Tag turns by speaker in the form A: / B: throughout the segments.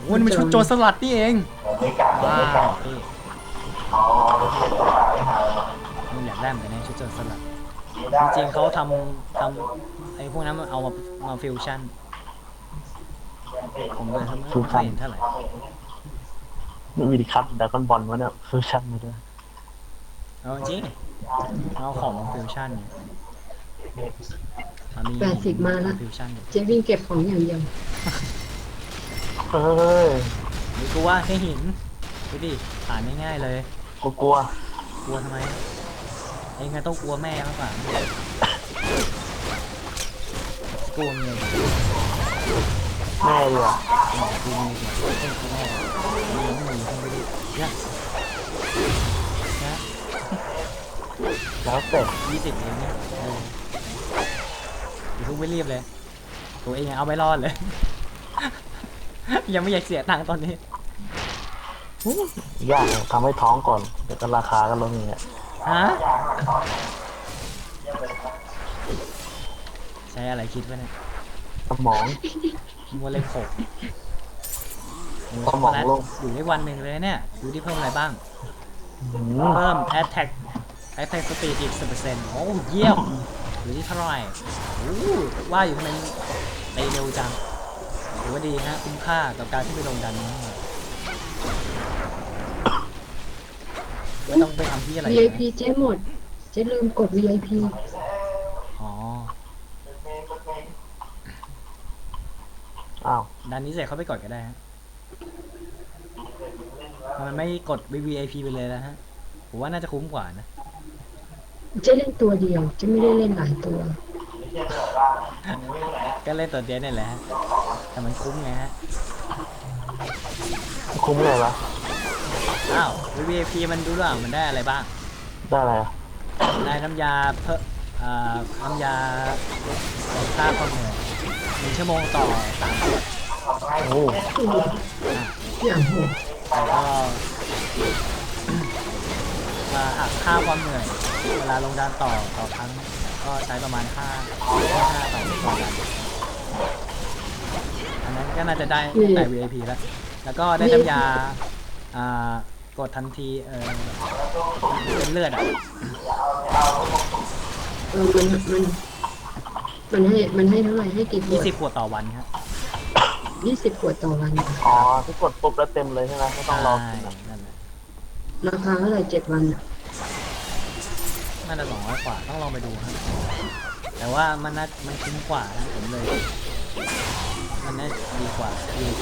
A: มันเป็นชุดโจรสลัดนี่เองว้าวพี่มึงอยากได้เหมือนกันนะชุดโจรสลัดจริงๆเขาทำไอ้พวกนั้นมันเอามาฟิวชั่นผมเลยไม่เคยเห็นเท่าไหร่
B: นี่มีดิคัทดราก้อนบอลวะเนี่ยฟิวชั่นมาด้วย
A: เอาจริงเอาของมาฟิวชั่นเนี่ยมี
C: 80มาละ
A: ฟิวชั่นอยู่
C: เจ๊วิ่งเก็บของอย่างเดียว
B: เฮ้ย
A: นี่กูว่าแค่หินดูดิผ่านง่ายๆเลย
B: กูกลัว
A: กลัวทำไมเองไงต้องกลัวแม่มากกว่ากลัวเมีย
B: แม่เลยอ่ะ
A: กลัวเมียต้องกลัวแม่มีน้องหมีทำไปดิเนี่ยนะ
B: แล้วเสร็จ
A: 20เองเนี่ยอย่าเพิ่งไม่รีบเลยตัวเองยังเอาไม่รอดเลย ยังไม่อยากเสียตังค์ตอนนี้
B: ยากทำให้ท้องก่อนเดี๋ยวก็ราคาก็ลงอย่างเงี้ย
A: ฮะใช้อะไรคิดวะเนี่ย
B: สมอง
A: มัวเล็กหก
B: สมองโล่ง
A: อยู่ได้วันหนึ่งเลยเนี่ยดูที่เพิ่มอะไรบ้าง
B: หืม
A: เพิ่ม attack speed อีก 10%โอ้เยี่ยมอยู่ที่เท่าไหร่โอ้ว่าอยู่ทำไมตีเร็วจังถือว่าดีฮะคุ้มค่ากับการที่ไปลงดันนี้ไม่ต้องไปทำที่อะไรนะ
C: VIP เจ๊หมด เจ๊ลืมกด VIP
A: อ๋อ
B: อ้าว
A: ดันนี้เสร็จเขาไปกดก็ได้ฮะมันไม่กด VVIP ไปเลยนะฮะผมว่าน่าจะคุ้มกว่านะ
C: เจ๊เล่นตัวเดียว เจ๊ไม่ได้เล่นหลายตัว
A: ก็เล่นตัวเดียวนี่แหละฮะแต่มันคุ้มไงฮะ
B: คุ้มเลยวะ
A: อ้าว VVIP มันดูหรือเปล่ามันได้อะไรบ้าง
B: ได้อะไรอ่ะ
A: ได้น้ำยาเพิ่มน้ำยาฆ่าความเหนื่อย1 ชั่วโมงต่อ3 ขวด
B: โอ้
C: อย่างโหด
A: แล้วก็ค่าความเหนื่อยเวลาลงดานต่อครั้งก็ใช้ประมาณ5ต่อ1 ดันอันนั้นก็น่าจะได้ตั้งแต่ VIP แล้วก็ได้น้ำยากดทันทีเป็นเลือดอ่ะ
C: มันให้เท่าไหร่ให้กี่ขวด
A: 20 ขวดต่อวันครับ
C: 20 ขวดต่อวัน
B: อ๋อที่กดปุ๊บแล้วเต็มเลยใช่ไหมไม่ต้องรอ
A: ใช่
B: กินอะ
A: นั่นแหละ
C: ราคาเท่าไหร่7 วันอะ
A: น่าจะ200 กว่าต้องลองไปดูครับแต่ว่ามันคุ้มกว่านะผมเลย มันน่าดีกว่า VIP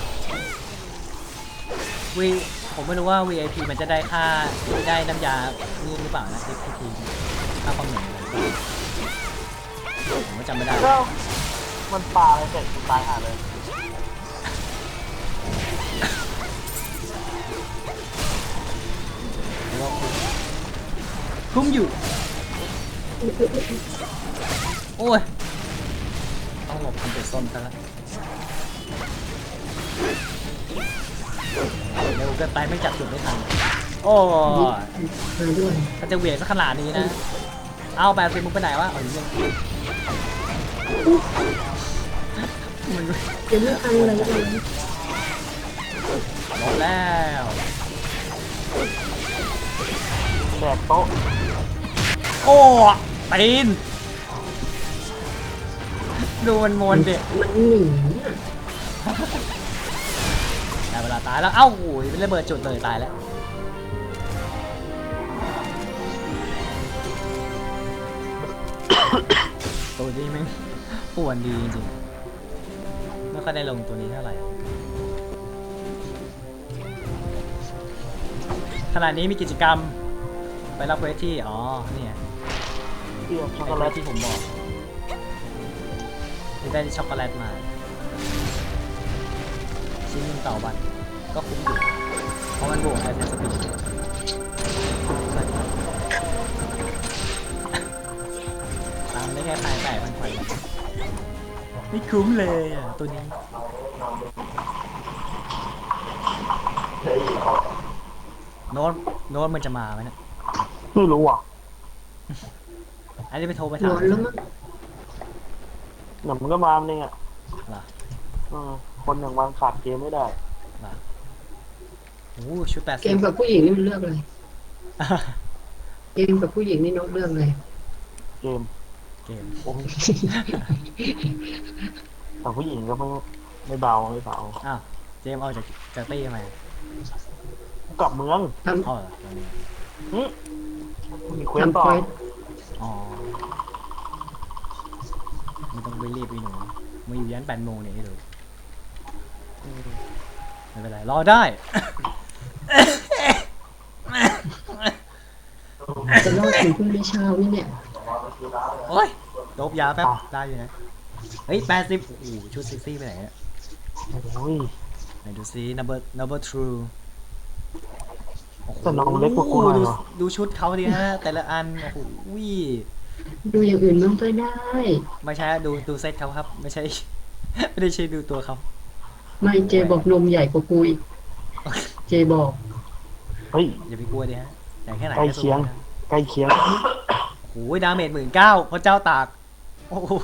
A: ผมไม่รู้ว่า VIP มันจะได้ได้น้ำยานี่หรือเปล่านะ FPT ค่าความเหนื่อยอะไรผมก็จำไม่ได้
B: แล้วมันปลาอะไรเสร็จกูตายหาเลย
A: แล้วก็คุ้มอยู่ โอ้ย ต้องหลบทำเป็นส้มซะแล้วเร็วเกินไปไม่จับจุดไม่ทัน โอ้ย
C: มาด้วย
A: ถ้าจะเหวี่ยงสักขนาดนี้นะ เอา80มึงไปไหนวะเอาอยู่นี่มัน
C: เจ๊ไม่ทันอะไรเลย
A: หมดแล้ว
B: แดกโต๊ะ
A: โอ้ตีน ดูมันมนดิ
C: มันหนีอะ
A: ได้เวลาตายแล้ว เอ้าโอ้ยเป็นระเบิดจุดเลยตายแล้ว ตัวนี้แม่งป่วนดีจริงๆไม่ค่อยได้ลงตัวนี้เท่าไหร่ขณะนี้มีกิจกรรม ไปรับเควสที่ อ๋อ เนี่ย
B: เที่ยวช็อก
A: ไอ้
B: โก
A: เคว
B: แล
A: ส
B: ต
A: ที่ผมบอกที่ได้ช็อกโกแลตมา ชิ้นหนึงต่อวัน ก็คุ้มอยู่ เพราะมันบวกไอเทมสปีดตามได้แค่ภายแต่มันไปไม่คุ้มเลยอ่ะ ตัวนี้ โน้ตมันจะมาไหมเนี่ย
B: ไม่รู้อ่ะ
A: อันนี้ไปโทรไป
C: น
A: ถาม
C: อนแล้วมั้ง
B: เดี๋ยวมันก็มาเนี่ย
A: เหรอ
B: คนอย่างมันขาดเกมไม่ได้
A: มาโอ้ชุด
C: เกมกับผู้หญิงนี่มันเลือกเลยเกมกับผู้หญิงนี่นกเลือกเลย
B: เกม
A: เกม
B: โอ้ยแต่ผู้หญิงก็ไม่เบาไม่เบา
A: อ้าวเจมส์ออกจากตี้ทำไม
B: กลับเมือง
C: ท
A: อ๋อเหรอตรงนี้
B: หึมี
C: ำ
B: เควส
C: ทำ
B: ต่อ
C: เควส
A: อ๋อไม่ต้องไปรีบไปหนูมาอยู่ยัน8 โมงเนี่ยให้ดูไม่เป็นไรรอได้
C: จะรอดถึงพรุ่งนี้เช้านี่เนี่ย
A: โอ้ยโดบยาแป๊บได้อยู่นะเฮ้ย80โอ้โหชุดเซ็กซี่ไปไหนเนี่ย
B: โอ้ย
A: ไหนดูซิ number true โอ้โห
B: แต่น้องเล็กกว่ากูหน่อย
A: ดู
B: เหรอ
A: ดูชุดเขาดิฮะ แต่ละอัน โอ้โห
C: ดูอย่างอื่นบ้างก็ได้
A: ไม่ใช่ดูเซตเขาครับ ไม่ใช่ ไม่ได้ใช่ดูตัวเขา
C: ไม่เจบอกนมใหญ่กว่ากูอีกเจบอก
B: เฮ้ย
A: อย่าไปกลัวดิฮะใหญ่แค่ไหน
B: ใกล้
A: ก็สู้
B: เคียง
A: นะ
B: ใกล้เคียง
A: โอ้โหดาเมจ19,000พระเจ้าตาก โอ้โห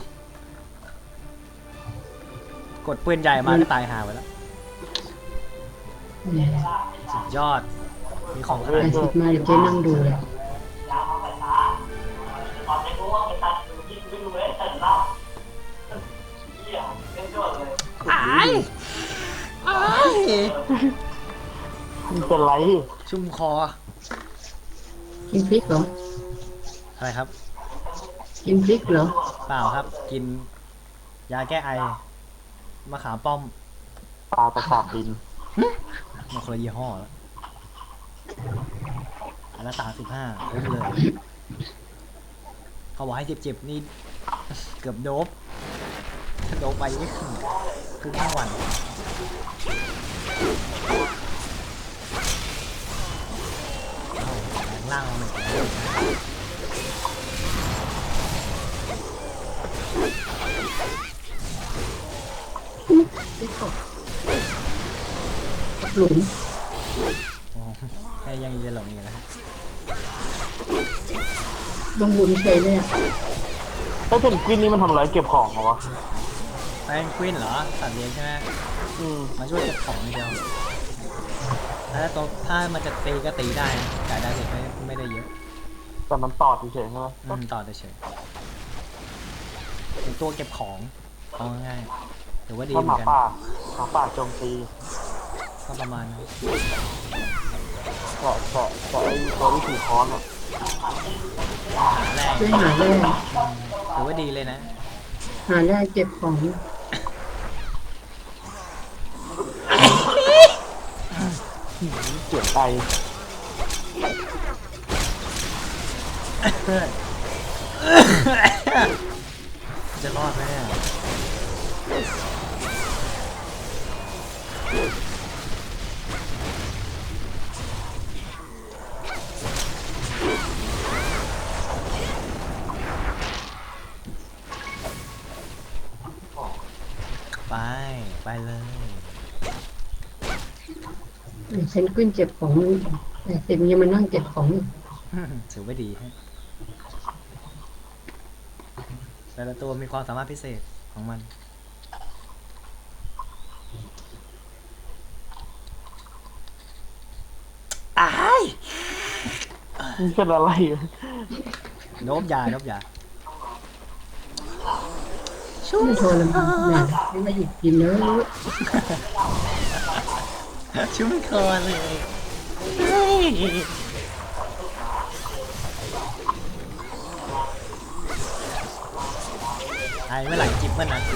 A: กดปืนใหญ่มาก็ตายหาไปแล้ว
C: เนี่ย
A: สุดยอด มีของข
C: แต่
A: นาด
C: สิบมาเดี๋ยวเจนั่งดูเลย
A: อ้ายอ้าย
B: มันเป็นไร
A: ชุ่มคอ
C: กินพริกเหรอ
A: อะไรครับ
C: กินพริกเหรอ
A: เปล่าครับ กิน ยาแก้ไอ มะขามป้อม
B: ปลาตะขาบดิน
A: มันคนละยี่ห้อแล้วอันละ35คุ้มเลย เขาบอกให้เจ็บๆนี่ เกือบโดบถ้าโดบไปนี่คือทั้งวันเอาแรงล่างเราหนึ่งแล้ว
C: พริกตกหลุม
A: โอ้แค่ยังจะหลงอยู่นะ
C: ลงหลุมเฉยเลยอ่ะ
B: แล้วเพนกวินนี่มันทำอะไรเก็บของเหรอวะ
A: แพนกวินเหรอสัตว์เลี้ยงใช่ไหม
B: อืม
A: มาช่วยเก็บของเดียวถ้ามันจะตีก็ตีได้นะจ่ายได้เด็กไม่ได้เยอะ
B: แต่มันตอดเฉยๆใช่ไหม
A: ต่อเฉยเป็นตัวเก็บของเอาง่ายๆถือว่าดี
B: ถ้า
A: เห
B: ห
A: มื
B: มา
A: อนกัน
B: ป่าโจมตี
A: ก็ประมาณนั้น
B: แต่ไอ้ตัวที่ถือค้อนอ่ะ
A: หาแรง
C: ช่วยหาแร่
A: ถือว่าดีเลยนะ
C: หาแร่เก็บของ
B: เจ็บไต
A: จะรอดไหมเนี่ยไปเลย
C: เพนกวินเก็บของแต่สิบยังมานั่งเก็บของอีก
A: ถือว่าดีฮะแต่ละตัวมีความสามารถพิเศษของมัน อ้าย
B: มันเป็นอะไร
A: โนบยา
C: ไม่โทรแล้วนะไม่มาหยุดกินเลย
A: ชุ่มคอเลยไอ้เมื่อไหร่จิบเมื่อนั้น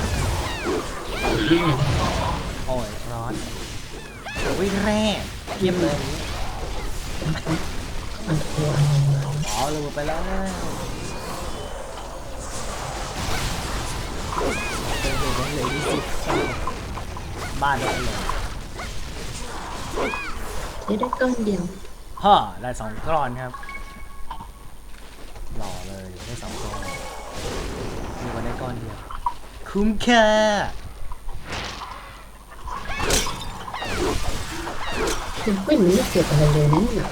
A: โอ้ยร้อนวิ่งแร่เยี่ยมเลยอ๋อลืมไปแล้วเลยที่สิบบ้านเลย
C: จะได้ก้อนเดียว
A: ฮ่าได้2 ก้อนครับ หล่อเลยได้2 ก้อนมีวันได้ก้อนเดียว คุ้มค่า
C: เพนกวินมันไม่เก็บอะไรเลยนะเนี่ย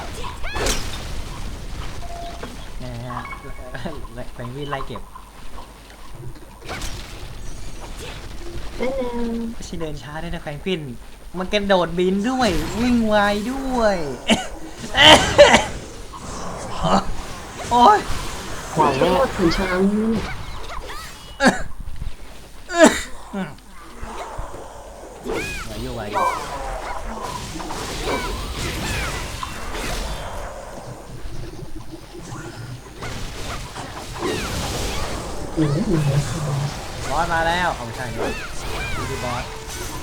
A: นะฮะแฟงวินไล่เก็บ
C: แล้ว
A: ไม่ใช่เดินช้าด้วยนะแฟรงกลินมันกระโดดบินด้วยวิ่งไวด้วย โอ้ย
B: ไหวไหม
C: โท
B: เนี่ย
C: ษถึงช้างนี่เนี่ย
A: ไหวอยู่
C: โอ้ยมาแล้ว
A: บอสมาแล้วเอาไม่ใช่ด้วยดูบอส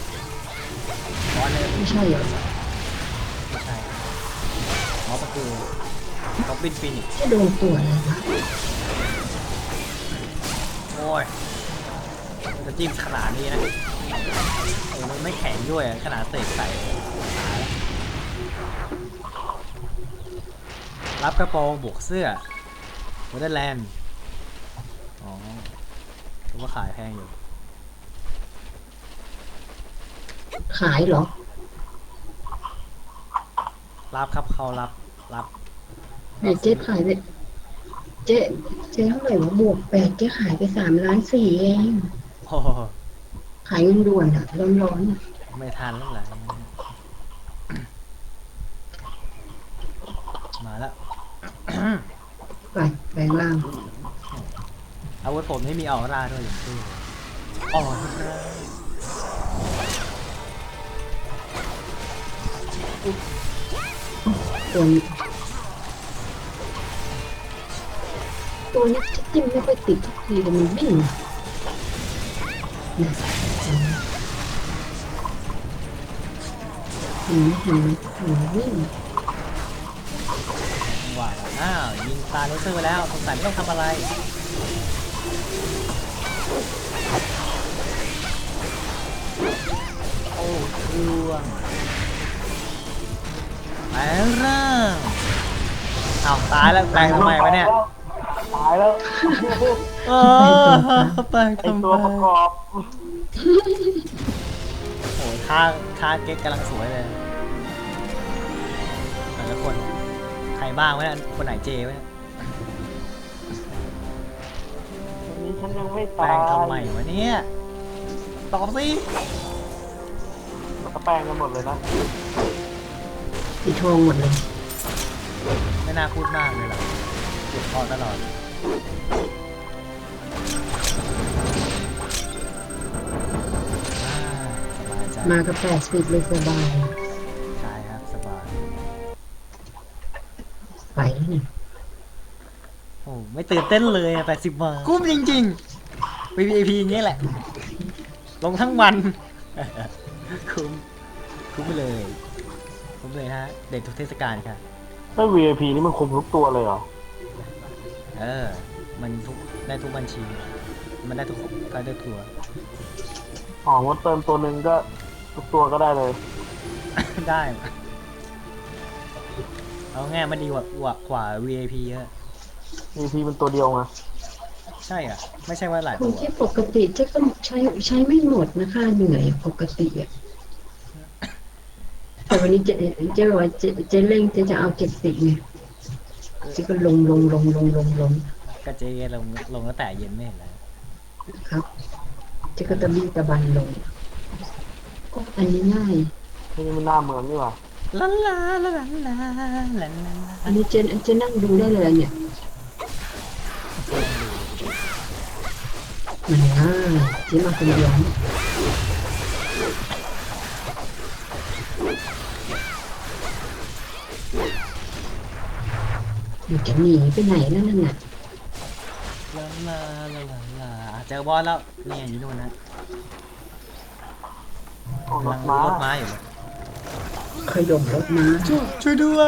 A: เลย
C: ไม่ใช่เหรอ
A: ไม่ใช่บอสก็คือล็อบบินฟินิกซ์
C: จะโดนตัวอะไรวะ
A: โอ้ยจะจิ้มขนาดนี้นะโอ้มันไม่แข็งด้วยขนาดเตะใส่รับกระโปรงบวกเสื้อวอเตอร์แลนด์อ๋อถือว่าขายแพงอยู่
C: ขายเหรอ
A: รับครับเขารับ
C: ไหนเจ๊ขายไปเจ๊เท่าไหร่วะบวก8เจ๊ขายไป3.4 ล้านเอง
A: โอ้โห
C: ขายเงินด่วนอ่ะร้อนๆอะ
A: ไม่ทันแล้วเหรอมาแล้ว
C: ไปล่าง
A: อาวุธผมไม่มีออร่าด้วยอย่างที่ออร่า
C: ตัวนี้ตัวนี้จะจิ้มไม่ค่อยติดทุกทีแต่มันวิ่งนะเห็นไหมวิ่ง
A: จังหวะอ้าวยิงตาเลเซอร์ไปแล้วสงสัยไม่ต้องทำอะไรโอ้ร่วงแปลงร่างอ้าวตายแล้วแปลงทำไมวะเนี่ย
B: ตายแล้ว
A: เออแปลง
B: ไอ
A: ทำไม
B: ตัวประกอบ
A: โอ้ยท่าเก๊กกำลังสวยเลยแต่ละคนใครบ้างวะเนี่ยคนไหนเจวะเนี่ย
B: วันนี้ฉันยังไม่
A: แปล
B: ตาย
A: งทำไมวะเนี่ยตอบสิ
B: มันก็แปลงกันหมดเลยนะ
C: สีทองหมดเลย
A: ไม่น่าพูดมากเลยหรอเจ็บคอตลอดสบายใจ
C: มากับ80เลยสบาย
A: ใช่ครับสบาย
C: ไปแล้วนี่
A: โอ้ไม่ตื่นเต้นเลยอะ80 บาทคุ้มจริงๆ VIP อย่างเงี้ยแหละ ลงทั้งวัน คุ้มไปเลยคุ้มเลยฮะเด็ดทุกเทศกาลค่ะ
B: ถ้า VIP นี่มันคุมทุกตัวเลยเหรอ
A: มันได้ทุกบัญชี มันได้ทุกก็ได้ทัวร์
B: อ๋อว่าเติมตัวหนึ่งก็ทุกตัวก็ได้เลย
A: ได้ เอาง่ายมันดีกว่า VIP เยอะ
B: VIP มันตัวเดียวไง
A: ใช่อ่ะ ไม่ใช่ว่าหลาย
C: ค
A: ตั
C: น
A: ว
C: ที่ปกติเจ๊ก็ใช้ไม่หมดนะคะเหนื่อยปกติอ่ะแต่วันนี้เจ๊บอกว่าเจ๊เร่งเจ๊จะเอา70ไงเจ๊ก็ลง
A: ก็เจลงตั้งแต่เย็นไม่เห็นแล้ว
C: ครับเจ๊ก็ตะบี้ตะบันลงก็อันนี้ง่าย
B: นี่มันหน้าเหมือนนี่หว่า
A: ลาลาลาลาลาลาลา
C: อันนี้เจ๊นั่งดูได้เลยเนี่ยมันง่ายเจ๊มาคนเดียวอยู่จะหนีไปไหนแล้วนั่นน่ะ
A: ลาลาลาลาลาเจอบอสแล้วเนี่ยอยู่นู่นนะ
B: ออก
A: กำ
B: ร
A: ลั
B: ถ
A: ง
B: ม้าร
A: ถม้าอยู่เลย
C: ขยมรถม้า
A: ช่วยด้วย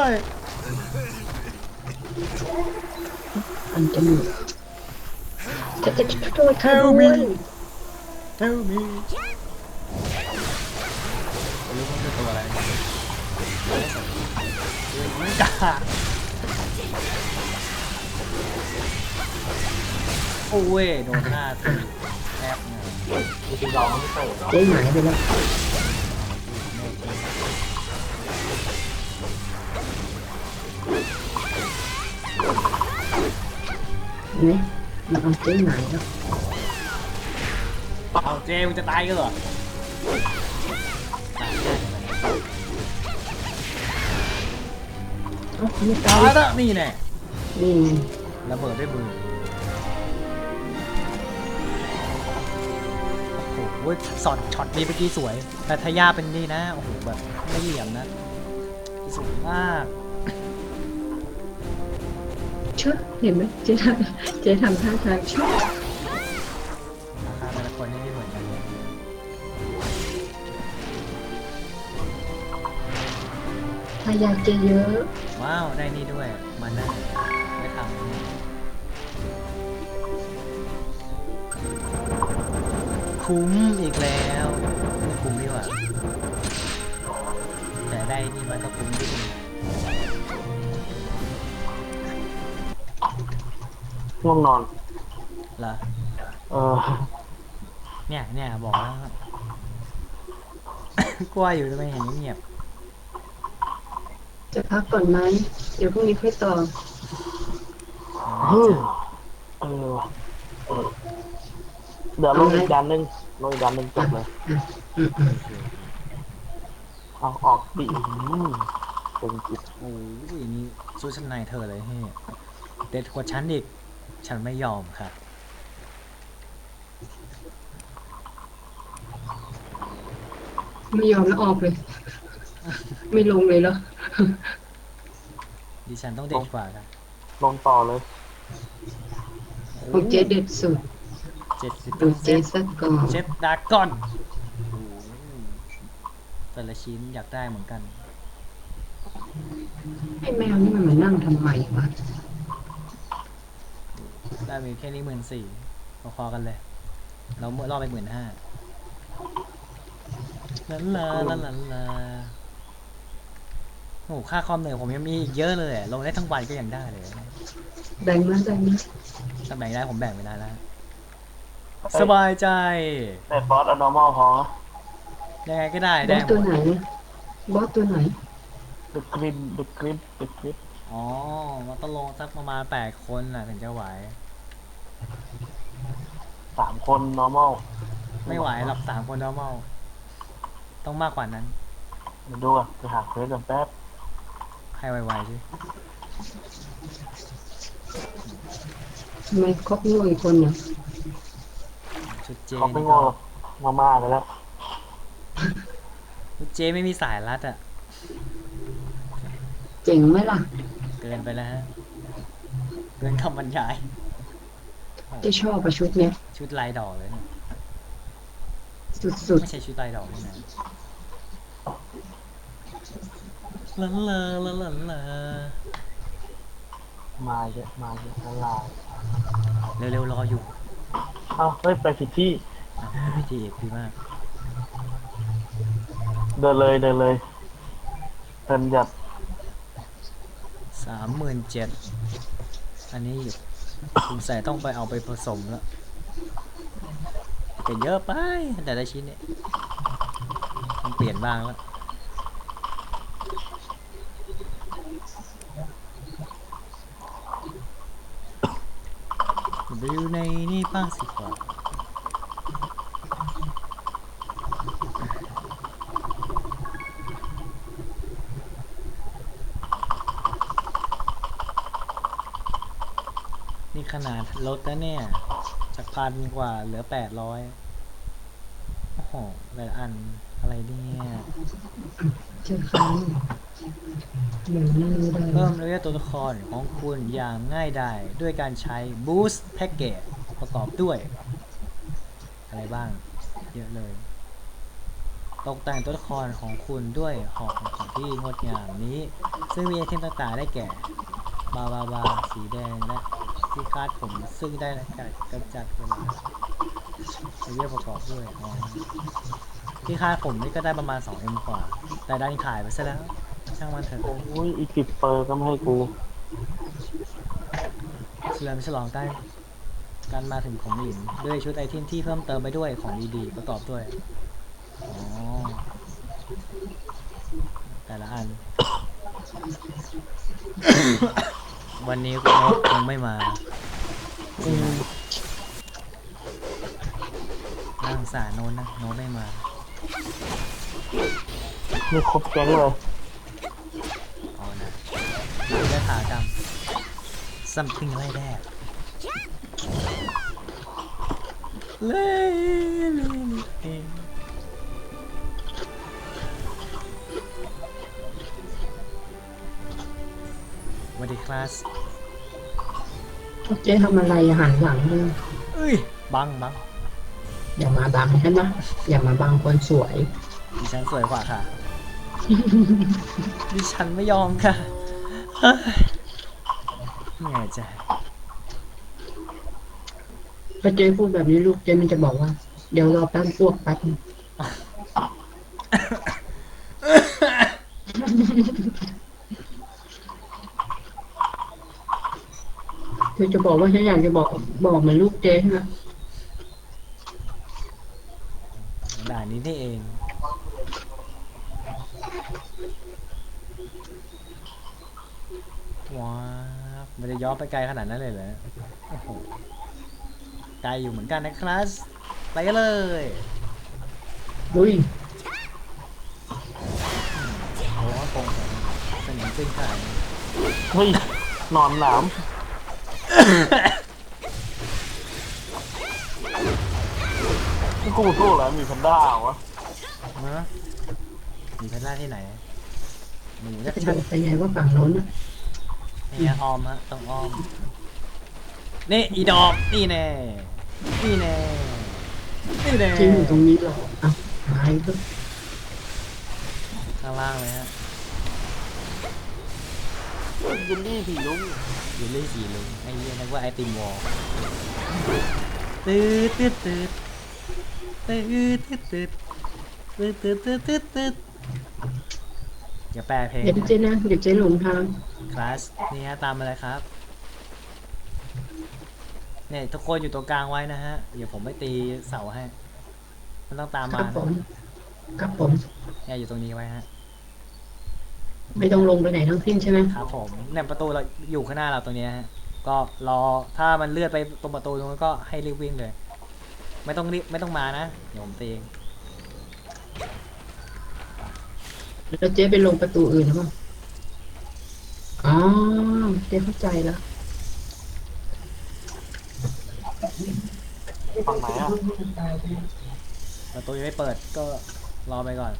C: อันจมูกจะโทษเธอด้วย
A: Help me ไม่รู้มันคือตัวอะไรไม่กล้าโอ้ยโดนหน้าตีแอบเนี่ย
B: จริงๆเราไม่ใช่เหรอ
C: เจ๊หายไปแล้วเห็นไหมมันเอาเจ๊หายแล้ว
A: เอาเจจมึงจะตายกันเหรอตายได้ไหม
C: เอ้าไม่
A: ตา
C: ตาย
A: ยแล้วนี่แน่
C: นี่ไง
A: ระเบิดด้วยมือโอ้โหช็อตนี้เมื่อกี้สวย แต่ทายาเป็นนี่นะ โอ้โหแบบไม่เหลี่ยมนะสวยมาก
C: เชื่อเห็นไหมเจ๊ทำท่าทางเชื่อ
A: ราคาแต่ละคนนี่ไม่เหมือนกันเลย
C: ทายาเจเยอะ
A: ว้าวได้นี่ด้วยมานั่งไม่ทำคุ้มอีกแล้วไม่คุ้มดีกว่าแต่ได้นี่มันก็คุ้มดี
B: ง่วงนอน
A: เหรอ
B: เออ
A: เนี่ยบอกแล้ว กลัวอยู่ทำไมเห็นเงียบ
C: จะพักก่อนไหมเดี๋ยวพรุ่งนี้ค่อยต่อ
B: เออเออเดี๋ยวลงอีกด้านหนึงจบเลย เอาออกดิเป็นจิต
A: โอ้ยนี่สู้ชั้นในเธอเลยเฮ้ยเด็ดกว่าฉันอีกฉันไม่ยอมค่ะ
C: ไม่ยอมแล้วออกเลย ไม่ลงเลยเหรอ
A: ดิฉันต้องเด็ดกว่าค่ะ
B: ลงต่อเลย
C: ของเจ๊เด็ดสุด
A: 70
C: ดูเจ๊สักก่อน
A: เจ็ดดราก้อนโอ้โหแต่ละชิ้นอยากได้เหมือนกัน
C: ไอ้แมวนี่มันมานั่งทำไมวะ
A: ได้มีแค่นี้14,000พอๆกันเลย เราเมื่อรอบไป15,000ลาโอ้โหค่าคอมเหนื่อยผมยังมีอีกเยอะเลยอะลงได้ทั้งวันก็ยังได้เลย
C: แบ่งมา
A: ถ้าแบ่งได้ผมแบ่งไม่ได้แล้ว สบายใจ
B: แต่ฟอสเอา normal พอ
A: ยังไงก็ได้
C: บอ
A: ได้
C: ส
A: หม
C: ตัว
A: ด
C: ไหนบอสตัวไหน
B: The grip
A: อ๋อมันต้องลงสักประมาณ8 คนน่ะถึงจะไหว
B: 3 คน normal
A: ไม่ไหวหรอก3 คน normal ต้องมากกว่านั้น
B: เดี๋ยวดูอ่ะไปหาเควสกันแป๊บ
A: ให้ไวๆสิ
C: ทำไมครอบงูอีกคนเนี่ย
A: ชุดเจ
B: เขาไม่
A: นี่
B: โง่
A: ก็
B: มาไปแล้ว
A: ชุดเจไม่มีสายรัดอ่ะ
C: เจ๋งไหมล่ะ
A: เกินไปแล้วฮะ เกินคำบรรยาย
C: เจะชอบประชุดเนี้ย
A: ชุดลายดอกเลยเนี่ย
C: สุด
A: ไม่ใช่ชุดลายดอกนี่นะลันลาลันลาลา
B: มาเยอะละลาย
A: เร็วๆรออยู่
B: เอ้าเฮ้ยไปผิดที่
A: อ่ะพิธีเอกดีมาก
B: เดินเลยเดินหยัด
A: 37,000อันนี้สงสัยต้องไปเอาไปผสมแล้วแต่เยอะไปแต่ละชิ้นเนี่ยต้องเปลี่ยนบ้างแล้วไปอยู่ในนี่บ้างสิกว่านี่ขนาดลดแล้วเนี่ยจาก1,000 กว่าเหลือ800โอ้โหแต่ละอันอะไรเนี่ย
C: ๆเจอครั้งหนึ่งนี่ได้
A: เพิ่มระยะตัวละครของคุณอย่างง่ายดายด้วยการใช้ Boost Package ประกอบด้วย อะไรบ้าง เยอะเลย ตกแต่งตัวละครของคุณด้วยหอกของที่งดงามนี้ ซึ่งมีไอเทมต่างๆได้แก่ บาสีแดงและที่คาดผมซึ่งได้การกำจัดเวลาระยะประกอบด้วยอ๋อที่คาดผมนี่ก็ได้ประมาณ 2M กว่า แต่ดันขายไปซะแล้ว ช่างมันเถอะ
B: โอ้ยอีก10 เปอร์ก็ไม่ให้กู
A: เฉลิมฉลองการมาถึงของหลินด้วยชุดไอเทมที่เพิ่มเติมไปด้วยของดีๆประกอบด้วย อ๋อ แต่ละอัน วันนี้คุณนกคงไม่มา นั่งสารโน้นนะโน้นไม่มา
B: นี่ครบแก๊งเลย
A: เอานะเราจะถากรรม something like that เล่สวัสดีคลาส
C: เจ๊ทำอะไรอะหันหลังเลย
A: เอ้ยบัง
C: อย่ามาบังใช่ไหมอย่ามาบังคนสวย
A: ดิฉันสวยกว่าค่ะ ดิฉันไม่ยอมค่ะเฮ้ยเหนื่อยใจ
C: ถ้าเจ๊พูดแบบนี้ลูกเจ๊มันจะบอกว่า เดี๋ยวรอแป๊บอ้วกแป๊บนึงเธอจะบอกว่าฉันอยากจะบอกเหมือนลูกเจ๊ใช่ไหม
A: ด่านนี้นี่เอง ว้าวไม่ได้ย้อนไปไกลขนาดนั้นเลยเหรอโอ้โหไกลอยู่เหมือนกันนะครับไปกันเลย
C: ดุย
A: โอ้โหตรงสนิมขึ้นขาย
B: เฮ้ยนอนหนามนี่กูสู้แล้วมีแพนด้าวะ
A: นะมีแพนด้าที่ไหนหนูจะ
C: จะ
A: ชัน
C: ไปไงว่าฝั่งโน้นนะ
A: เนี่ยอ้อมฮะต้องอ้อมนี่อีดอกนี่แน่นี่แน่นี่แน่
C: จริงอยู่ตรงนี้หรออ่ะหายก็
A: ข้างล่างเลยฮะ
B: ยินดี้ผีลุง
A: อยู่เล่นสีลุงไอ้เหี้ยนึกว่าไอติมวอลตืดตืดตืดตืดตืดตืดตืดตืดตืดตืดตืดอย่าแปลเพลง
C: เดี๋ยวเจ๊นะเดี๋ยวเจ๊หลงทาง
A: คลาสนี่ฮะตามมาเลยครับเนี่ยทุกคนอยู่ตรงกลางไว้นะฮะเดี๋ยวผมไม่ตีเสาให้มันต้องตาม
C: ค
A: มา
C: รับผมครับผม
A: เนี่ยอยู่ตรงนี้ไว้ฮะ
C: ไม่ต้องลงไปไหนทั้งสิ้นใช่ไหม
A: ครับผมเนี่ยประตูเราอยู่ข้างหน้าเราตรงนี้ฮะก็รอถ้ามันเลื่อนไปตรงประตูตรงนั้นก็ให้รีบวิ่งเลย ไม่ต้องรีบไม่ต้องมานะเดี๋ยวผมตีเอง
C: แล้วเจ๊ไปลงประตูอื่นหรือเปล่าอ๋อเจ๊เข้าใจแล้ว
B: ฝั่งไหนอ่ะ
A: ประตูยังไม่เปิดก็รอไปก่อน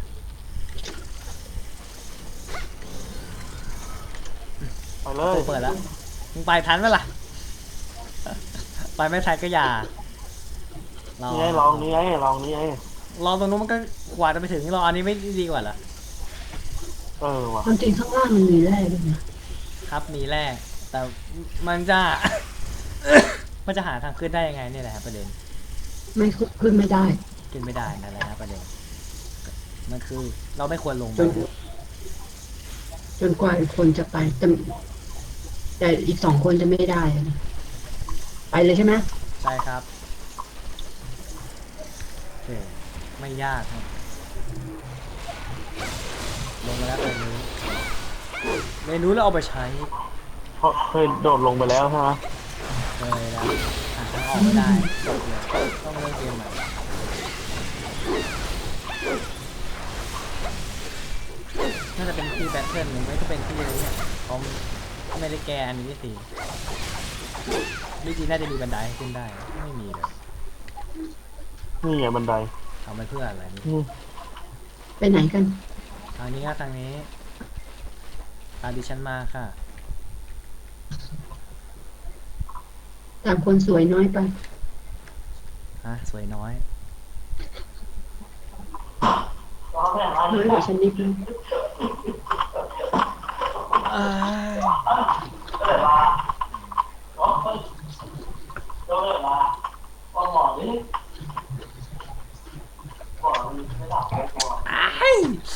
B: ไปเล
A: ประ
B: ย
A: ตูเปิดแล้วมึงไปทันไหมล่ะ ไปไม่ทันก็อย่า
B: นี่ไงลองนี่ไงลองนี่ไง
A: รอตรงนู้นมันก็กว่าจะไปถึงรออันนี้ไม่ดีกว่าเหรอ
B: เออว่ะ
C: ความจริงข้างล่างมันมีแร่ด้วยนะครับ
A: มีแร่แต่มันจะ มันจะหาทางขึ้นได้ยังไงเนี่ยแหละครับประเด็น
C: ไม่ขึ้นไม่ได้
A: ขึ้นไม่ได้นั่นแหละครับประเด็นมันคือเราไม่ควรลง
C: จ
A: ไป
C: นจนกว่าอีกคนจะไปแต่อีกสองคนจะไม่ได้อะไปเลยใช่ไหม
A: ใช่ครับโอเคไม่ยากครับลงมาแล้วเมนูแล้วเอาไปใช้
B: เพราะเคยโดดลงไปแล้วใช่ไหม
A: เลยแล้วหาทางออกไม่ได้จบเลยต้องเล่นเกมใหม่น่าจะเป็นที่แบทเทิลหรือไม่ก็เป็นที่อะไรเนี่ยเขาไม่ได้แก้อันนี้สิวิธีน่าจะมีบันไดให้ขึ้นได้ไม่มีเลย
B: นี่ไงบันได
A: ทำไปเพื่ออะไรนี่
B: นี่
C: ไปไหนกัน
A: ทางนี้ครับทางนี้ตามดิฉันมาค่ะ
C: ตามคนสวยน้อยไป
A: ฮะสวยน้อย
C: น้อยกว่าฉันนิดนึง
A: อ้าย อ้าย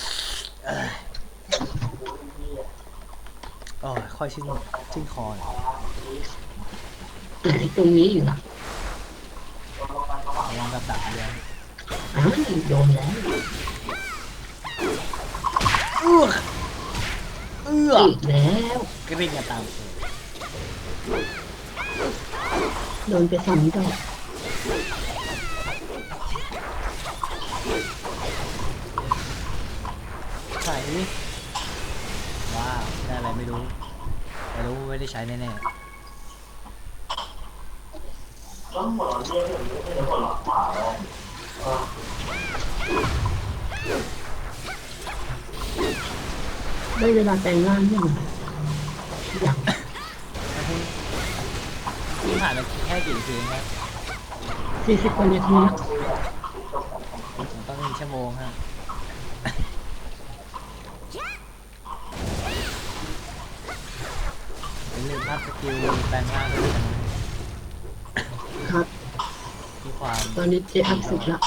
A: โอ้ยค่อยชิ้นคอหน่อย
C: ไหนตรงนี้อยู่ล่ะ
A: ระวังกับดักเลี้ยง
C: อ้าวโดนแล้ว
A: เอื้อ
C: อีกแล้ว
A: กริ่งกันตามเลย
C: โดนไปสองดอก
A: ไขว้าวได้อะไรไม่รู้ไม่ได้ใช้แน่
C: ได้เวลาแต่งร่างยังอยาก
A: ๆแล้วคุณผ่านไปแค่กี่ทีครับ
C: 40 กว่านาทีแล้ว
A: ผมต้อง1 ชั่วโมงฮะอย่าลืมอัพสกิลแปลงร่างด้วยนะครับ ที่ความ
C: ตอนนี้เจอัพ10แล้ว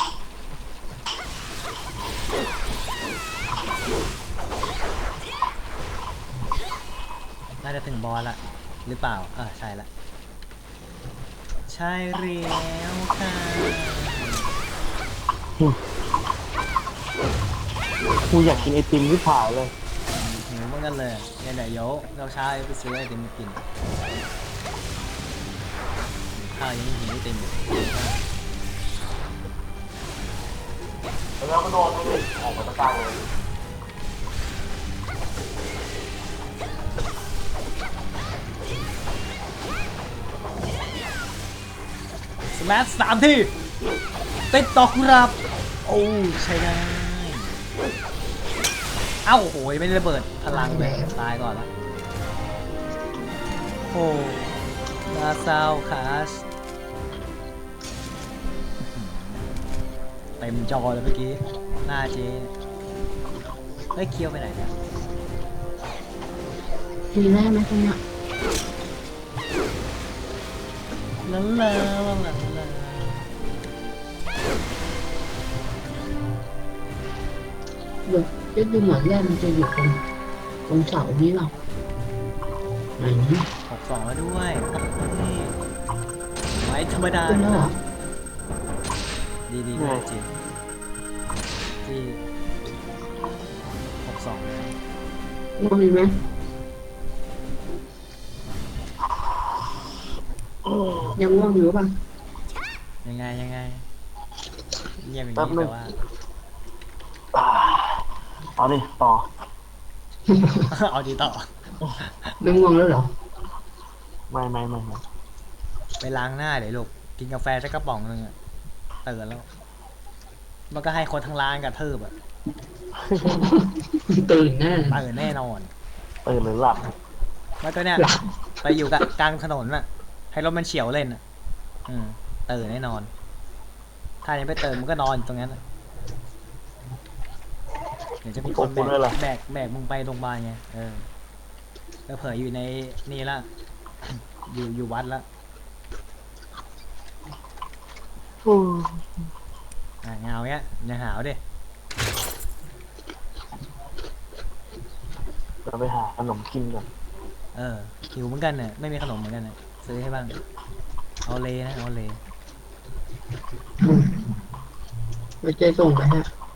A: น่าจะถึงบอสละหรือเปล่าใช่ละใช่แล้วค่ะ
B: กูอยากกินไอติมที่ผ่ายเลย
A: หิวเหมือนกันเลยเนี่ยเดี๋ยวเราเช้าไปซื้อไอติมมากินข้าวยังหิวไอติมอยู่
B: แล้วก็โดนเลยออกมาตะกางเลย
A: สแมัช3 ทีติดต่อครับโอ้ใช่ได้เอ้าโหยไม่ได้ระเบิดพลังเลยตายก่อนละโอ้น่าเศร้าคาสเต็มจอเลยเมื่อกี้หน้าเจ๊เฮ้ยเคี้ยวไปไหนเนี่ย
C: ทีแรกไหมตรงเนี้ย
A: ลาลาลาลาลา
C: เดี๋ยวจะดูเหมือนแรกมันจะอยู่ตรงเสานี้หรอไหนนี่
A: 62แล้วด้วยนี่ไม่ธรรมดา
C: ขึ้นแล้วเหรอ
A: ดีด้วยจริงที่62แล้ว
C: ง่วงไหมยังง่วงอยู่ป่ะ
A: ยังไงเงียบอย่างนี้แต่ว่า
B: เอาดิต่อ
A: เอาดีต่อ
C: ไม่ง่วงแล้วเหรอ
B: ไม่
A: ไปล้างหน้าเดี๋ยวลูกกินกาแฟสักกระป๋องนึงอะตื่นแล้ว มันก็ให้คนทั้งร้านกระทืบอะ
C: ตื่นแน่
A: ตื่นแน่นอน
B: ตื่นหรือหลับ
A: แล้วก็เนี่ย
C: หลับ
A: ไปอยู่กับกลางถนนอะให้รถมันเฉียวเล่นอะตื่นแน่นอน ถ้ายังไม่ตื่นมันก็นอนอยู่ตรงนั้นอะเดี๋ยวจะมีคนแบกมึงไปโรงพยาบาลไงแล้วเผยอยู่ในนี่ละ อยู่วัดละเงาเนี้ยอย่าหาวดิ
B: เราไปหาขนมกินก่อน
A: หิวเหมือนกันเนี่ยไม่มีขนมเหมือนกันเนี่ยซื้อให้บ้างเอาเลยนะเอาเลย
C: ไปเจส่งไปฮะ